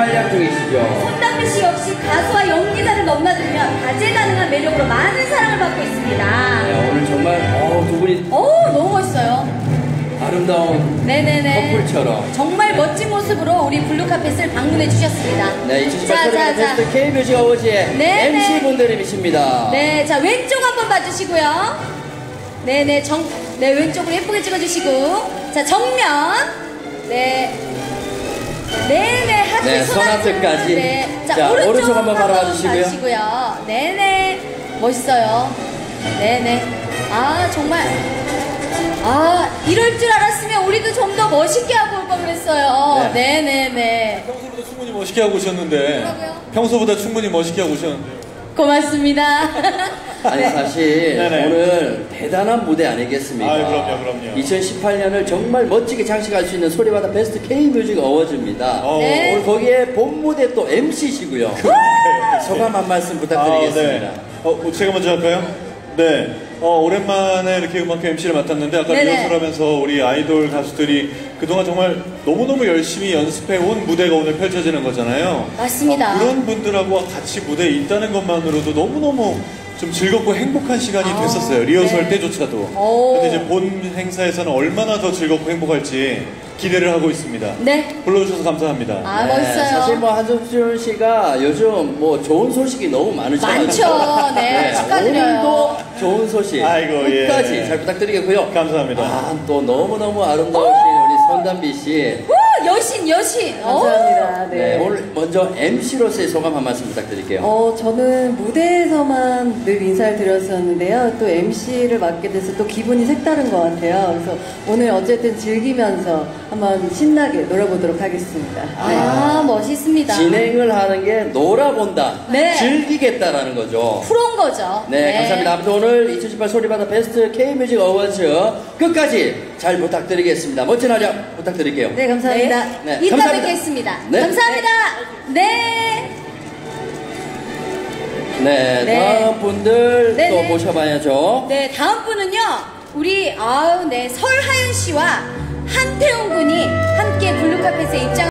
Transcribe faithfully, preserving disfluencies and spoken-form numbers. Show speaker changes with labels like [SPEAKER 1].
[SPEAKER 1] 활약 중이시죠.
[SPEAKER 2] 손담비 씨 역시 가수와 연기자를 넘나들며 다재다능한 매력으로 많은 사랑을 받고 있습니다.
[SPEAKER 1] 네, 오늘 정말 어, 두 분이
[SPEAKER 2] 오, 너무 멋있어요.
[SPEAKER 1] 아름다운
[SPEAKER 2] 네네네.
[SPEAKER 1] 커플처럼
[SPEAKER 2] 정말 멋진 모습으로 우리 블루카펫을 방문해 주셨습니다.
[SPEAKER 1] 네, 이천십팔
[SPEAKER 2] 자,
[SPEAKER 1] 소리바다
[SPEAKER 2] 자,
[SPEAKER 1] 베스트 K뮤직 어워즈의
[SPEAKER 2] 네,
[SPEAKER 1] 엠씨분들이십니다.
[SPEAKER 2] 네, 자, 왼쪽 한번 봐주시고요. 네네, 정, 네, 왼쪽으로 예쁘게 찍어주시고. 자, 정면. 네. 네네, 하트,
[SPEAKER 1] 네, 손하트까지.
[SPEAKER 2] 네. 자,
[SPEAKER 1] 자,
[SPEAKER 2] 오른쪽,
[SPEAKER 1] 오른쪽 한번
[SPEAKER 2] 한번
[SPEAKER 1] 바라봐주시고요.
[SPEAKER 2] 봐주시고요. 네네. 멋있어요. 네네. 아, 정말. 아, 이럴 줄 알았으면 우리도 좀 더 멋있게 하고 올 걸 그랬어요. 네. 네네네.
[SPEAKER 3] 평소보다 충분히 멋있게 하고 오셨는데.
[SPEAKER 2] 뭐라고요?
[SPEAKER 3] 평소보다 충분히 멋있게 하고 오셨는데.
[SPEAKER 2] 고맙습니다.
[SPEAKER 1] 아니
[SPEAKER 2] 네.
[SPEAKER 1] 사실
[SPEAKER 3] 네네.
[SPEAKER 1] 오늘 대단한 무대 아니겠습니까?
[SPEAKER 3] 아유, 그럼요, 그럼요.
[SPEAKER 1] 이천십팔 년을 정말 멋지게 장식할 수 있는 소리바다 베스트 K뮤직 어워즈입니다.
[SPEAKER 3] 어.
[SPEAKER 2] 네.
[SPEAKER 1] 오늘 거기에 본 무대 또 엠씨시고요. 소감 한 말씀 부탁드리겠습니다.
[SPEAKER 3] 아, 네. 어, 제가 먼저 할까요? 네. 어, 오랜만에 이렇게 음악회 엠씨를 맡았는데 아까
[SPEAKER 2] 네네.
[SPEAKER 3] 리허설 하면서 우리 아이돌 가수들이 그동안 정말 너무너무 열심히 연습해 온 무대가 오늘 펼쳐지는 거잖아요.
[SPEAKER 2] 맞습니다.
[SPEAKER 3] 어, 그런 분들하고 같이 무대에 있다는 것만으로도 너무너무 좀 즐겁고 행복한 시간이
[SPEAKER 2] 아,
[SPEAKER 3] 됐었어요. 리허설
[SPEAKER 2] 네.
[SPEAKER 3] 때조차도.
[SPEAKER 2] 오.
[SPEAKER 3] 근데 이제 본 행사에서는 얼마나 더 즐겁고 행복할지 기대를 하고 있습니다.
[SPEAKER 2] 네.
[SPEAKER 3] 불러주셔서 감사합니다.
[SPEAKER 2] 아,
[SPEAKER 1] 네,
[SPEAKER 2] 멋있어요.
[SPEAKER 1] 사실 뭐 한석준 씨가 요즘 뭐 좋은 소식이 너무 많으셔가지고
[SPEAKER 2] 많죠. 네, 축하드려요.
[SPEAKER 1] 오늘도 좋은 소식
[SPEAKER 3] 아이고,
[SPEAKER 1] 끝까지
[SPEAKER 3] 예.
[SPEAKER 1] 잘 부탁드리겠고요.
[SPEAKER 3] 감사합니다.
[SPEAKER 1] 아, 또 너무너무 아름다우신 우리 손담비 씨.
[SPEAKER 2] 오, 여신, 여신.
[SPEAKER 4] 감사합니다.
[SPEAKER 1] 네,
[SPEAKER 4] 네.
[SPEAKER 1] 오늘 먼저 엠씨로서의 소감 한 말씀 부탁드릴게요.
[SPEAKER 4] 어, 저는 무대에서만 늘 인사를 드렸었는데요. 또 엠씨를 맡게 돼서 또 기분이 색다른 것 같아요. 그래서 오늘 어쨌든 즐기면서 한번 신나게 놀아보도록 하겠습니다.
[SPEAKER 2] 아, 멋있습니다.
[SPEAKER 1] 진행을 하는 게 놀아본다,
[SPEAKER 2] 네.
[SPEAKER 1] 즐기겠다라는 거죠.
[SPEAKER 2] 프로인 거죠.
[SPEAKER 1] 네, 감사합니다. 아무튼 오늘 이천십팔 소리바다 베스트 K뮤직 어워즈 끝까지 잘 부탁드리겠습니다. 멋진 활약 부탁드릴게요.
[SPEAKER 4] 네, 감사합니다.
[SPEAKER 2] 네.
[SPEAKER 1] 네,
[SPEAKER 2] 이따
[SPEAKER 1] 감사합니다.
[SPEAKER 2] 뵙겠습니다.
[SPEAKER 1] 네.
[SPEAKER 2] 감사합니다. 네.
[SPEAKER 1] 네,
[SPEAKER 2] 네.
[SPEAKER 1] 다음 분들
[SPEAKER 2] 네,
[SPEAKER 1] 또
[SPEAKER 2] 네.
[SPEAKER 1] 모셔봐야죠.
[SPEAKER 2] 네, 다음 분은요. 우리 아우 네 설하윤 씨와 한태웅 군이 함께 블루카펫에 입장